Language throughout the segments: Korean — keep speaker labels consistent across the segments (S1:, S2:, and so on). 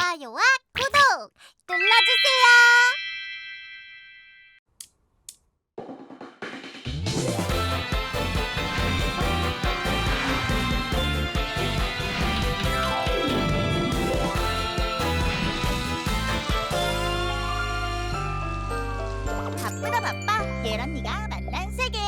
S1: 좋아요와 구독 눌러주세요. 바쁘다 바빠 예런이가 만난 세계.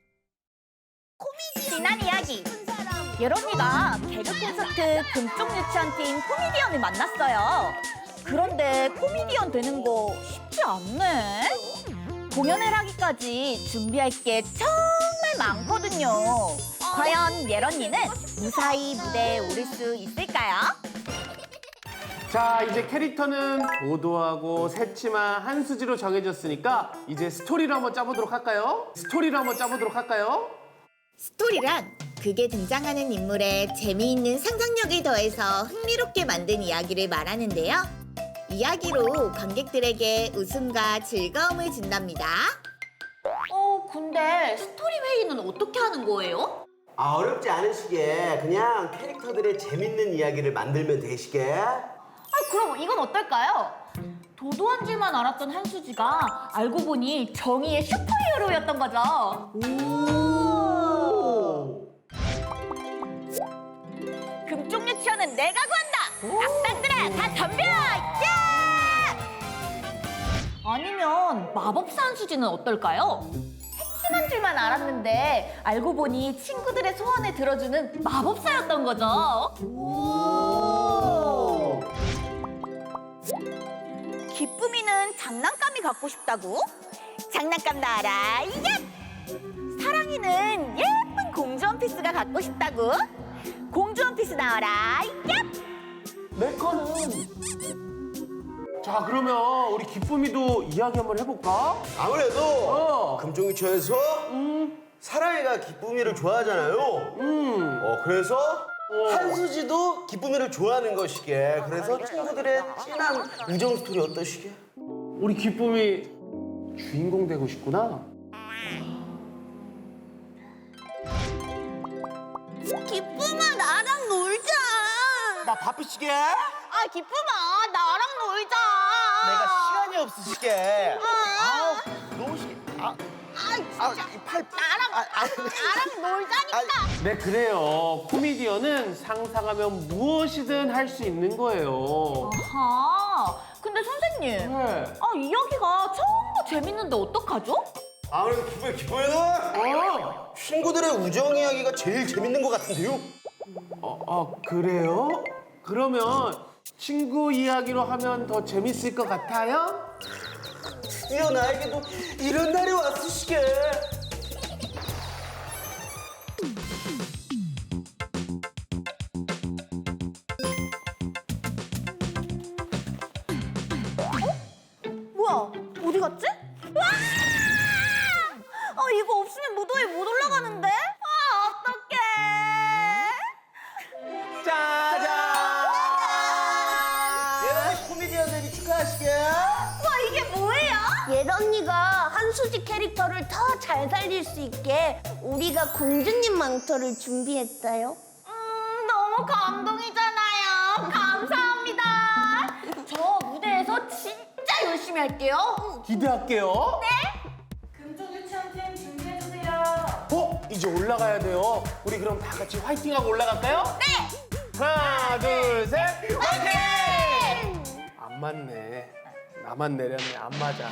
S2: 지난 이야기 예런이가 개그 콘서트 금쪽 유치원팀 코미디언을 만났어요. 그런데 코미디언 되는 거 쉽지 않네. 공연을 하기까지 준비할 게 정말 많거든요. 과연 예런이는 무사히 무대에 오를 수 있을까요?
S3: 자, 이제 캐릭터는 도도하고 새침한 한수지로 정해졌으니까 이제 스토리를 한번 짜보도록 할까요?
S4: 스토리란 극에 등장하는 인물의 재미있는 상상력을 더해서 흥미롭게 만든 이야기를 말하는데요. 이야기로 관객들에게 웃음과 즐거움을 준답니다.
S2: 근데 스토리 회의는 어떻게 하는 거예요?
S5: 어렵지 않으시게 그냥 캐릭터들의 재밌는 이야기를 만들면 되시게.
S2: 그럼 이건 어떨까요? 도도한 줄만 알았던 한수지가 알고 보니 정의의 슈퍼히어로였던 거죠. 금쪽 유치원은 내가 구한다! 악당들아 다 덤벼! 야! 아니면 마법사 한수지는 어떨까요? 핵심한 줄만 알았는데 알고 보니 친구들의 소원을 들어주는 마법사였던 거죠. 기쁨이는 장난감이 갖고 싶다고? 장난감 나와라, 얍! 사랑이는 예쁜 공주 원피스가 갖고 싶다고? 공주 원피스 나와라, 얍!
S3: 내 거는. 자, 그러면 우리 기쁨이도 이야기 한번 해볼까?
S5: 아무래도 금종유치원에서 사랑이가 기쁨이를 좋아하잖아요. 그래서 한수지도 기쁨이를 좋아하는 것이게. 그래서 친구들의 진한 우정 스토리 어떠시게?
S3: 우리 기쁨이 주인공 되고 싶구나.
S1: 기쁨아 나랑 놀자.
S5: 나 바쁘시게?
S1: 기쁨아 나랑 놀자.
S5: 내가 시간이 없으시게. 너무시게. 팔.
S1: 나랑 놀자니까.
S3: 네, 그래요. 코미디언은 상상하면 무엇이든 할 수 있는 거예요.
S2: 아하, 근데 선생님,
S3: 네.
S2: 이야기가 전부 재밌는데 어떡하죠?
S5: 아무래도 기쁨이는 친구들의 우정 이야기가 제일 재밌는 것 같은데요?
S3: 그래요? 그러면 친구 이야기로 하면 더 재밌을 것 같아요?
S5: 드디어 나에게도 이런 날이 왔으시게.
S2: 뭐야, 어디 갔지? 와! 이거 없으면 무도에 못 올라가는데? 어떡해!
S5: 짜잔! 예런이 코미디언들이 축하하시게.
S2: 이게 뭐예요?
S1: 예런이가 한수지 캐릭터를 더 잘 살릴 수 있게 우리가 공주님 망토를 준비했어요.
S2: 너무 감동이잖아요. 감사합니다. 저 무대에서 진짜 열심히 할게요.
S3: 기대할게요.
S2: 금쪽 유치원팀 준비해주세요.
S3: 이제 올라가야 돼요. 우리 그럼 다 같이 화이팅하고 올라갈까요? 네! 하나, 둘, 셋! 화이팅! 안 맞네. 나만 내렸네. 안 맞아.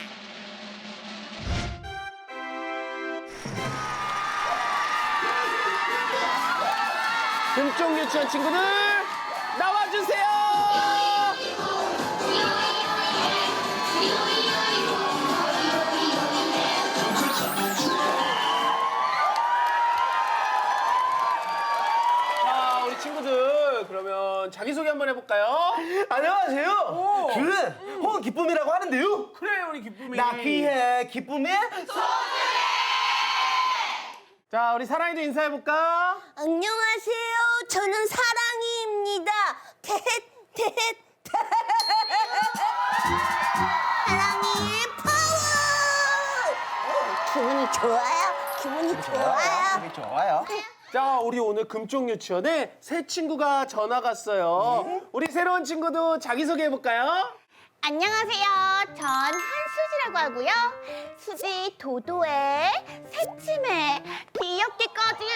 S3: 금쪽 유치원 친구들 나와주세요! 자, 우리 친구들 그러면 자기소개 한번 해볼까요?
S5: 안녕하세요. 저는 기쁨이라고 하는데요.
S3: 그래, 우리 기쁨이.
S5: 나 귀해 기쁨이.
S3: 자, 우리 사랑이도 인사해볼까?
S1: 안녕하세요. 저는 사랑이입니다. 사랑이 파워. 기분이 좋아요. 기분이 좋아요.
S5: 되게 좋아요.
S3: 자, 우리 오늘 금쪽 유치원에 새 친구가 전화 갔어요. 우리 새로운 친구도 자기소개 해볼까요?
S1: 안녕하세요. 전 한수지라고 하고요. 수지 도도해, 새침해, 귀엽게 꺼지은.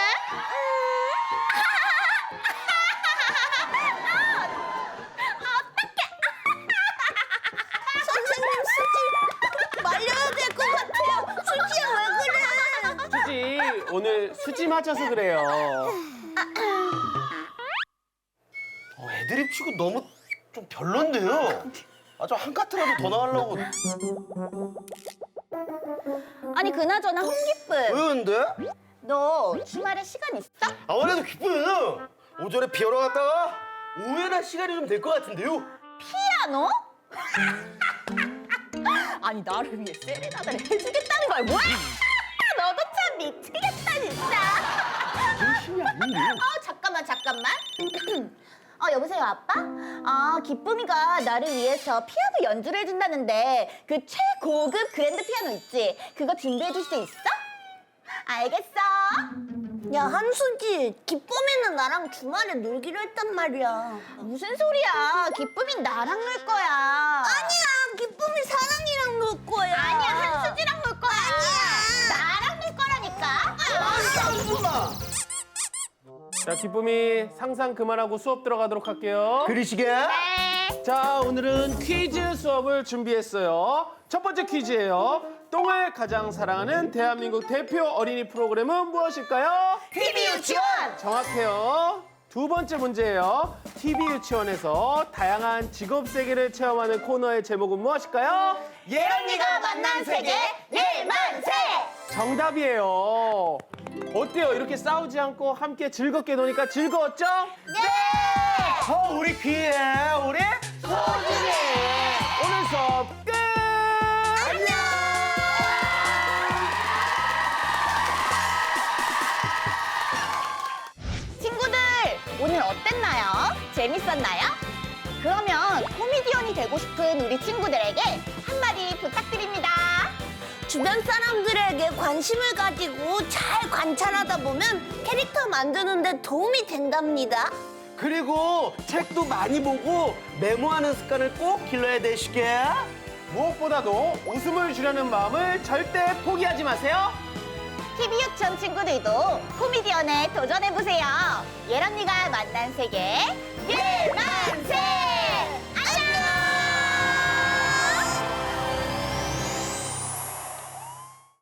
S1: 선생님, 수지 말려야 될 것 같아요. 수지야, 왜 그래?
S3: 수지, 오늘 수지 맞아서 그래요.
S5: 애드립 치고 너무 좀 별론데요. 아, 저 한 카트라도 더 나가려고.
S1: 아니, 그나저나 홍기쁨.
S5: 왜 근데?
S1: 너 주말에 시간 있어?
S5: 아, 원래도 기쁘면은 오전에 피하러 갔다가 오후에나 시간이 좀 될 것 같은데요.
S2: 피아노? 아니 나를 위해 세레나다를 해주겠다는 거야 뭐야?
S1: 너도 참 미치겠다, 진짜.
S5: 정신이 아닌데요.
S1: 잠깐만. 여보세요, 아빠? 기쁨이가 나를 위해서 피아노 연주를 해준다는데 그 최고급 그랜드 피아노 있지? 그거 준비해줄 수 있어? 알겠어. 야, 한수지, 기쁨이는 나랑 주말에 놀기로 했단 말이야. 무슨 소리야? 기쁨이 나랑 놀 거야. 아니야, 기쁨이 사랑이랑 놀 거야. 아니야, 한수지랑 놀 거야. 아니야, 나랑 놀 거라니까.
S3: 자, 기쁨이 상상 그만하고 수업 들어가도록 할게요.
S5: 그리시게.
S1: 네.
S3: 자, 오늘은 퀴즈 수업을 준비했어요. 첫 번째 퀴즈예요. 똥을 가장 사랑하는 대한민국 대표 어린이 프로그램은 무엇일까요?
S1: TV 유치원.
S3: 정확해요. 두 번째 문제예요. TV 유치원에서 다양한 직업 세계를 체험하는 코너의 제목은 무엇일까요?
S1: 예언니가 만난 세계 일만세.
S3: 정답이에요. 어때요? 이렇게 싸우지 않고 함께 즐겁게 노니까 즐거웠죠?
S1: 네.
S5: 우리 귀에 우리
S3: 소중해. 오늘 수업 끝.
S1: 안녕. 친구들, 오늘 어땠나요? 재밌었나요? 그러면 코미디언이 되고 싶은 우리 친구들에게 한마디 부탁드립니다. 주변 사람들에게 관심을 가지고 잘 관찰하다 보면 캐릭터 만드는 데 도움이 된답니다.
S5: 그리고 책도 많이 보고 메모하는 습관을 꼭 길러야 되시게.
S3: 무엇보다도 웃음을 주려는 마음을 절대 포기하지 마세요.
S1: TV 유치원 친구들도 코미디언에 도전해보세요. 예언니가 만난 세계 일만세.